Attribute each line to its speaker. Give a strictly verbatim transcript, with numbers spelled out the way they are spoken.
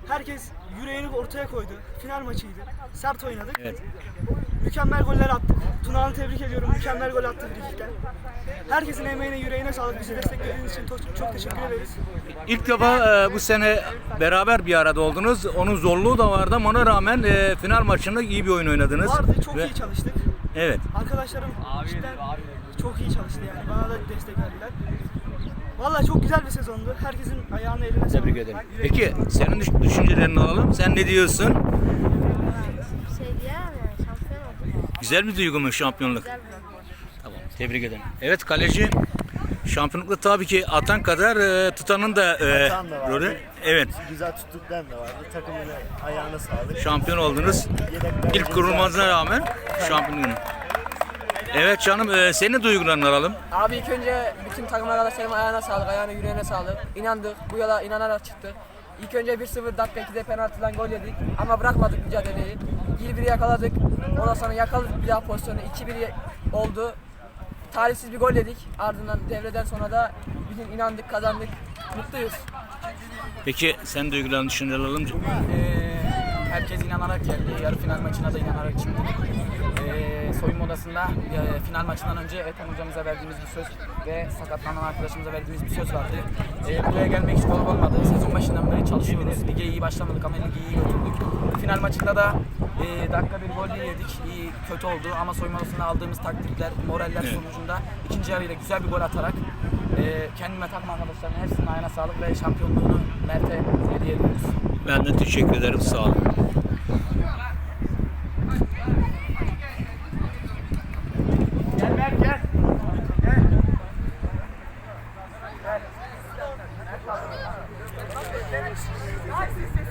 Speaker 1: Herkes yüreğini ortaya koydu. Final maçıydı. Sert oynadık.
Speaker 2: Evet.
Speaker 1: Mükemmel goller attık. Tunağan'ı tebrik ediyorum. Mükemmel gol attı frikikten. Herkesin emeğine, yüreğine sağlık. Bizi desteklediğiniz için çok, çok teşekkür ederiz.
Speaker 2: İlk defa e, bu sene beraber bir arada oldunuz. Onun zorluğu da vardı ama ona rağmen e, final maçında iyi bir oyun oynadınız.
Speaker 1: Vardı, çok
Speaker 2: Ve-
Speaker 1: iyi çalıştık.
Speaker 2: Evet.
Speaker 1: Arkadaşlarım cidden çok iyi çalıştı yani. Bana da destek verdiler. Vallahi çok güzel bir sezondu. Herkesin ayağına eline sağlık.
Speaker 2: Tebrik ederim.
Speaker 1: Yüreğine
Speaker 2: Peki
Speaker 1: sağlık.
Speaker 2: senin düş- düşüncelerini alalım. Sen ne diyorsun?
Speaker 3: Bir şey diyemem yani, şampiyon olduk.
Speaker 2: Güzel bir duygu mu şampiyonluk?
Speaker 3: Güzel bir maç.
Speaker 2: Tamam. Tebrik ederim. Evet kaleci şampiyonlukta tabii ki atan kadar e, tutanın da e,
Speaker 4: Atan da vardı.
Speaker 2: rolü. Evet.
Speaker 4: Güzel tuttuklarım da vardı. Takımın ayağına sağlık.
Speaker 2: Şampiyon oldunuz.
Speaker 4: Yedekler
Speaker 2: İlk kurulmasına rağmen şampiyon. Evet canım e, senin duygularını alalım.
Speaker 5: Abi ilk önce bütün takım arkadaşlarıma ayağına sağlık, ayağına yüreğine sağlık. İnandık, bu yola inanarak çıktık. İlk önce bir sıfır dakika ikide penaltıdan gol yedik ama bırakmadık mücadeleyi. bir bir yakaladık, ondan sonra yakaladık bir daha pozisyonu, iki bir oldu. Talihsiz bir gol yedik, ardından devreden sonra da bizim inandık, kazandık, mutluyuz.
Speaker 2: Peki sen duygularını düşünceler alalım.
Speaker 6: Ee, herkes inanarak geldi. Yarı final maçına da inanarak çıktık. Ee, soyunma odasında e, final maçından önce Ethem hocamıza verdiğimiz bir söz ve sakatlanan arkadaşımıza verdiğimiz bir söz vardı. Ee, buraya gelmek hiç kolay olmadı. Sezon başından beri çalışıyoruz. Lige iyi başlamadık ama ligi iyi götürdük. Final maçında da e, dakika bir gol yedik. İyi, kötü oldu ama soyunma odasında aldığımız taktikler, moraller sonucunda ikinci yarıyla güzel bir gol atarak e, kendime takma arkadaşlarına hepsinin ayağına sağlık ve şampiyonluğunu Mert'e hediye ediyoruz.
Speaker 2: Ben de teşekkür ederim. Sağ olun.
Speaker 5: Gel Mert gel. Gel.